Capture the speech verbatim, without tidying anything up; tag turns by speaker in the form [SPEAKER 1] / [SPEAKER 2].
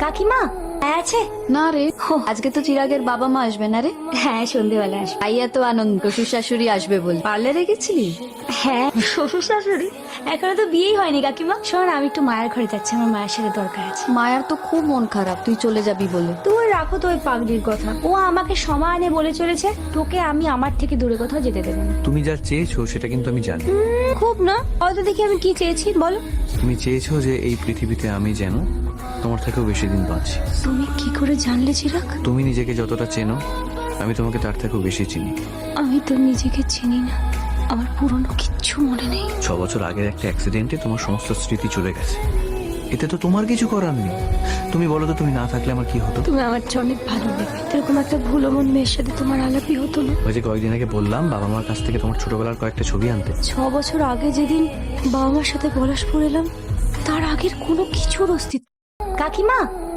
[SPEAKER 1] কাকিমা আছে?
[SPEAKER 2] না রে, আজকে তো চিরাগের বাবা মা আসবে না রে।
[SPEAKER 1] হ্যাঁ, সন্ধ্যেবেলা আসবে।
[SPEAKER 2] তাই এত আনন্দ, শ্বশুর শাশুড়ি আসবে বল। পার্লারে গেছিলি?
[SPEAKER 1] হ্যাঁ, শ্বশুর শাশুড়ি এখনো তো বিয়েই হয়নি কাকিমা। শোন, আমি একটু মায়ের ঘরে যাচ্ছি, আমার মায়ের সাথে দরকার আছে।
[SPEAKER 2] মায়ার তো খুব মন খারাপ তুই চলে যাবি বলে।
[SPEAKER 1] তুই রাখো তো ওই পাগলির কথা। ও আমাকে সমানে বলে চলেছে তোকে আমি আমার থেকে দূরে কোথাও যেতে দেবো না।
[SPEAKER 3] তুমি যা চেয়েছো সেটা কিন্তু আমি জানি।
[SPEAKER 1] হুম, খুব না, হয়তো দেখি আমি কি চেয়েছি বলো।
[SPEAKER 3] তুমি চেয়েছো যে এই পৃথিবীতে আমি যেন তোমার থেকেও বেশি দিন বাঁচি।
[SPEAKER 1] তুমি কি করে জানলে চিরাগ?
[SPEAKER 3] তুমি নিজেকে যতটা চেনো আমি তোমাকে তার থেকেও বেশি চিনি।
[SPEAKER 1] আমি তো নিজেকে চিনি না, আমার পুরনো কিচ্ছু মনে নেই।
[SPEAKER 3] ছ বছর আগের একটা অ্যাক্সিডেন্টে তোমার সমস্ত স্মৃতি চলে গেছে, এতে তো তোমার কিছু করার নেই। তুমি বলো তো, তুমি না থাকলে আমার কি হতো?
[SPEAKER 1] তুমি আমার চেয়ে অনেক ভালো দেবে, এরকম একটা ভুলো মন মেয়ের সাথে তোমার আলাপই হতো না।
[SPEAKER 3] ওই যে কয়েকদিন আগে বললাম বাবা মার কাছ থেকে তোমার ছোটবেলার কয়েকটা ছবি আনতে।
[SPEAKER 1] ছ বছর আগে যেদিন বাবা মার সাথে পলাশপুর এলাম, তার আগের কোনো কিছুর অস্তিত্ব। কাকিমা